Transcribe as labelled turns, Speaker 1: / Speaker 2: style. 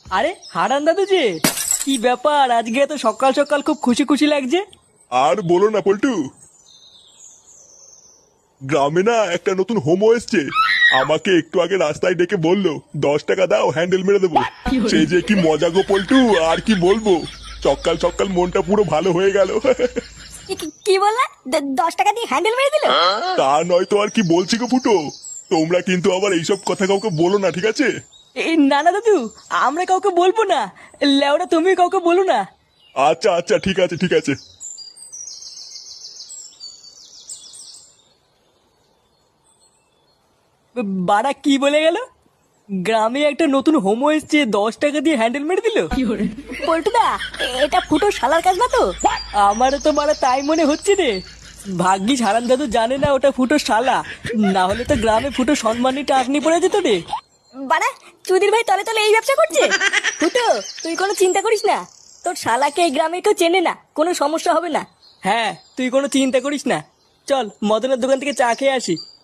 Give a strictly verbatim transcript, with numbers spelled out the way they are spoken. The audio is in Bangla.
Speaker 1: আরে হারান দাদু যে, কি ব্যাপার আজকে এত সকাল সকাল খুব খুশি খুশি লাগছে?
Speaker 2: আর বলো না পল্টু, গ্রামে না একটা নতুন হোমো এসছে। আমাকে একটু আগে রাস্তায় ডেকে বললো দশ টাকা দাও হ্যান্ডেল মেরে দেবো। সে যে কি মজা গো পল্টু, আর কি বলবো। সকাল সকাল মনটা পুরো ভালো হয়ে গেল।
Speaker 3: কি- কি- কি বললা? দ- দশ টাকা দিয়ে হ্যান্ডেল মেরে দিল?
Speaker 2: তা নয় তো আর কি বলছি গো ফুটো। তোমরা কিন্তু আবার এইসব কথা কাউকে বলো না, ঠিক আছে?
Speaker 1: এই না না দাদু, আমরা কাউকে বলবো না। লেওরা তুমি কাউকে বলো না।
Speaker 2: আচ্ছা আচ্ছা ঠিক আছে ঠিক আছে।
Speaker 1: বাড়া কি বলে গেল? গ্রামে একটা নতুন হোমো এসছে, দশ টাকা দিয়ে হ্যান্ডেল মেরে দিল?
Speaker 3: পল্টুদা, এটা ফুটো শালার কাজ না তো?
Speaker 1: আমারও তো মারা তাই মনে হচ্ছে রে। ভাগ্যিস হারান দাদু জানে না ওটা ফুটো শালা, না হলে তো গ্রামে ফুটো সম্মানী টাকনি পড়ে যেত রে।
Speaker 3: বাড়া, চুদির ভাই তলে তলে এই ব্যবসা করছে। ফুটো, তুই কোনো চিন্তা করিস না, তোর শালাকে এই গ্রামে কেউ চেনে না, কোনো সমস্যা হবে না।
Speaker 1: হ্যাঁ, তুই কোনো চিন্তা করিস না। চল মদনের দোকান থেকে চা খেয়ে আসি।